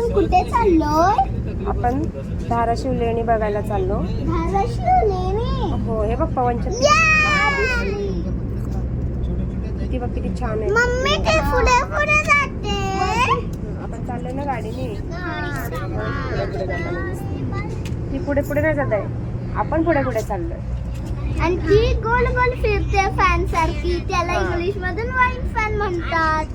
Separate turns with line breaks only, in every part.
आपण कुठे चाललोय?
आपण धाराशिव लेणी बघायला चाललो.
धाराशिव लेणी.
हो, हे बघ पवनचक्की किती बघ किती छान आहे.
मम्मी ते पुढे पुढे जाते.
आपण चाललोय ना गाडीने. ती पुढे पुढे नाही जात आहे, आपण पुढे पुढे चाललोय.
आणि ती गोल गोल फिरते फॅन सारखी. त्याला इंग्लिश मधून वाईन फॅन म्हणतात.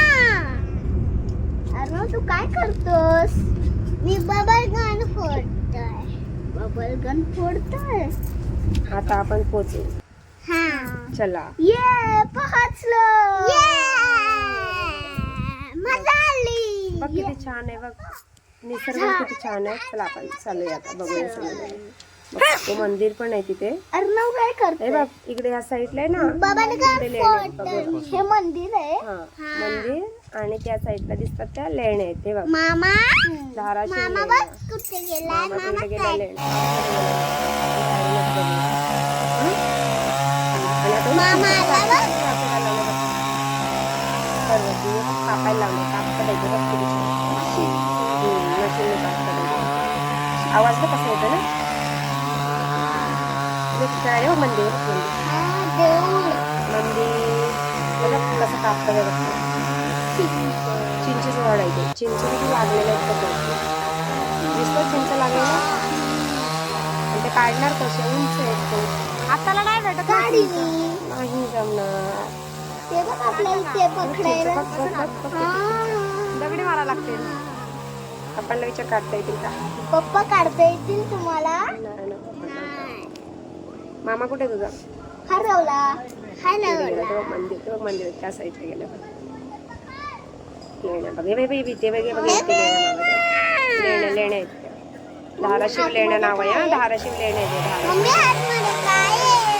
अरे तू काय करतोस? मी बबल गन फोडतोय. बबल गन फोडतोय.
आता आपण पोहोचू. चला
ये पोहोचलो. मजा आली.
बघ किती छान आहे. बघ निसर्ग किती छान आहे. चला आपण चालूया आता बघूया सगळं. तो मंदिर पण आहे तिथे.
अर्णव काय करतोय?
हे बघ इकडे या साईडला आहे ना
बबल गन
इकडे लेण्या आहेत.
फोडतोय. हे मंदिर आहे.
हा मंदिर आणि त्या साईडला दिसतात त्या लेण्या आहेत. ते बघ
मामा
धाराशिव
मामा
लेण्या.
बघ कुठे गेलाय.
मामा
मामा
तिकडे
काय?
गेला लेण्या. आणि आता
मामा आला बघ.
पर्वती कापायला लावलं. काप करायचं बघ किती छान. मशीनने काप करायचं. आवाज बघ कसा येतो ना. काय हो मंदिर
हा देऊळ.
मंदिर बघा कसं कापतं बघ. चिंचेचं झाड आहे ते. चिंच किती लागलेलं आहे बघ. दिसतं चिंच लागलेलं. आणि ते काढणार कसे उंच आहेत ते. हाताला नाही भेटत
गाडीने.
नाही जमणार.
ते बघ आपल्याला ते पकडायला.
दगडी मारा लागते. आपल्याला विचार काढता येतील का?
पप्पा काढता येतील तुम्हाला?
नाही ना. मामा कुठे तुझा?
हरवला.
मंदिर ते बघ मंदिर त्या साईडला गेलं. लेण्या बघ. हे ते बघे बघ लेण्या लेण्या आहेत त्या. धाराशिव लेण्या नाव आहे. हा धाराशिव लेण्या आहे.
मम्मी आतमध्ये काय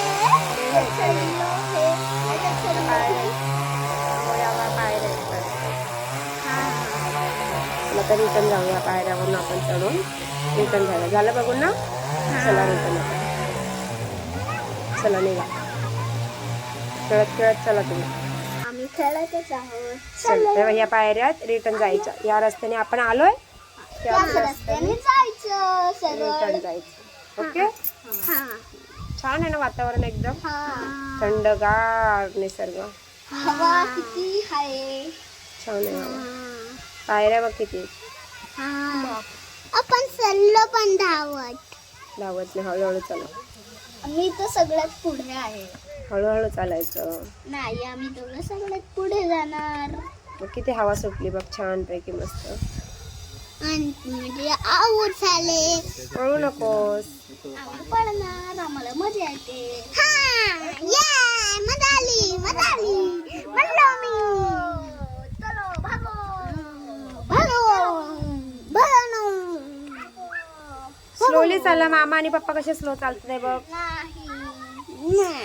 आता रिटर्न जाऊया. पायऱ्यावरून आपण चढून रिटर्न जाऊया. झालं बघून ना. चला रिटर्न आता. चला निघा. खेळत खेळत चला तुम्ही.
आम्ही खेळतच आहोत.
चल तेव्हा या पायऱ्यात रिटर्न जायचं. या रस्त्याने आपण आलोय
त्याच रस्त्याने जायचं
रिटर्न
सरळ.
जायचं. ओके छान आहे ना वातावरण एकदम थंडगार निसर्ग.
हवा किती आहे.
छान आहे हवा. पायऱ्या बघ किती.
आपण चाललो पण धावत.
धावत नाही. हळूहळू चला.
मी तर सगळ्यात पुढे आहे.
हळूहळू चालायचं.
नाही आम्ही दोघं सगळ्यात पुढे जाणार.
मग किती हवा सुटली बघ छान पैकी मस्त.
आणि म्हणजे आऊट झाले.
पळू नकोस.
आम्ही पडणार. आम्हाला मजा येते. मजा आली. मजा आली म्हणलो मी. चलो भागो भागो भागो.
स्लोली चालला. मामा आणि पप्पा कसे स्लो चालत नाही बघ.
नाही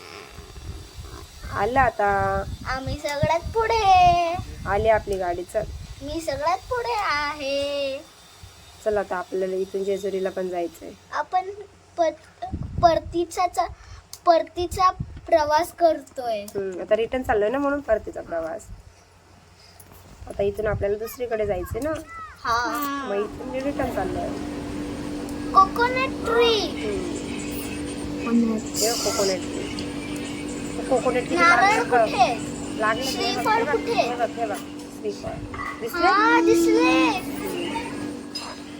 आलं आता.
आम्ही सगळ्यात पुढे.
आली आपली गाडी. चल
मी सगळ्यात पुढे आहे.
चल आता आपल्याला इथून जेजुरीला पण जायचंय.
आपण परतीचा प्रवास करतोय.
आता रिटर्न चाललोय ना म्हणून परतीचा प्रवास. आता इथून आपल्याला दुसरीकडे जायचंय ना. मग इथून रिटर्न चाललोय.
Coconut tree.
Coconut tree. Coconut tree
नारळ कुठे?
लागले.
श्रीफळ कुठे?
हे बघ श्रीफळ दिसले.
दिसले.